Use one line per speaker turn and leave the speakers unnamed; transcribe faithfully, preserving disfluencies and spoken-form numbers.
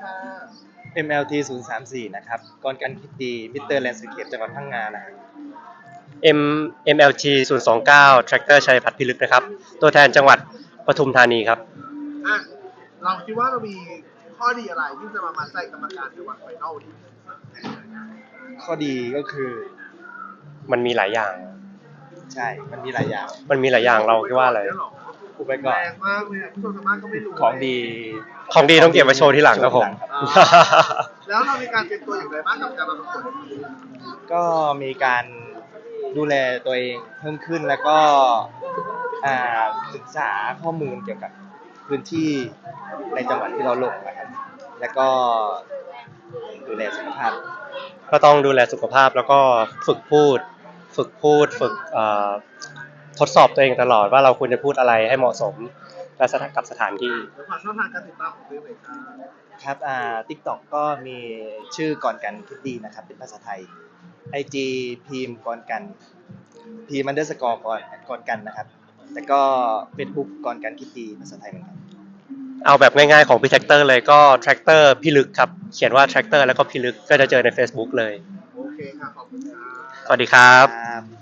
ค่ะ
เอ็ม แอล ที ศูนย์ สาม สี่ นะครับกรกันคิดดีมิสเตอร์แลนด์สเคปจังหวัดพังงานะครับ
M เอ็ม แอล จี ศูนย์ สอง เก้า Tractor ชัยพัฒน์พิลึกนะครับตัวแทนจังหวัดปทุมธานีครับ
อ่ะเราคิดว่าเรามีข้อดีอะไรที่จะมามัดใจกรรมการในวันไฟนอลนี้
ข้อดีก็คือ
มันมีหลายอย่าง
ใช่มันมีหลายอย่าง
มันมีหลายอย่างเราคิดว่าอะไร
อุปกร
แร
ณ์
งมากเลยอ่ะผู้ชมทางบ้านก็ไม่รู้
ของดี
ของดีต้องเก็บไว้โชว์ที่หลังครับผม
อ่าแล้วเรามีการเตรียมตัวอย่างไรบ้างกับการมาประกวดในปีนี้
ก็มีการดูแลตัวเองเพิ่มขึ้นแล้วก็อ่าศึกษาข้อมูลเกี่ยวกับพื้นที่ในจังหวัดที่เราลงนะครับแล้วก็ดูแลสุขภาพ
ก็ต้องดูแลสุขภาพแล้วก็ฝึกพูด ฝึกพูด ฝึกเอ่อทดสอบตัวเองตลอดว่าเราควรจะพูดอะไรให้เหมาะสมและสถานกับสถานที่
แล้วความช่องทางการติดตามของตัวเองค่ะ
ครับอ่า TikTok ก็มีชื่อก่อนกันคิดดีนะครับเป็นภาษาไทย ไอ จี พิมพ์ก่อนกันพิมพ์ underscore ก่อนก่อนกันนะครับแล้วก็ Facebook ก่อนกันคิดดีภาษาไทยเหมือนกัน
เอาแบบง่ายๆของพี่แท็กเตอร์เลยก็ Tractor พี่ลึกครับเขียนว่า Tractor แล้วก็พี่ลึกก็จะเจอใน Facebook เลย
โอเคค่ะขอบคุณค่ะ
สวัสดีครับ
ครับ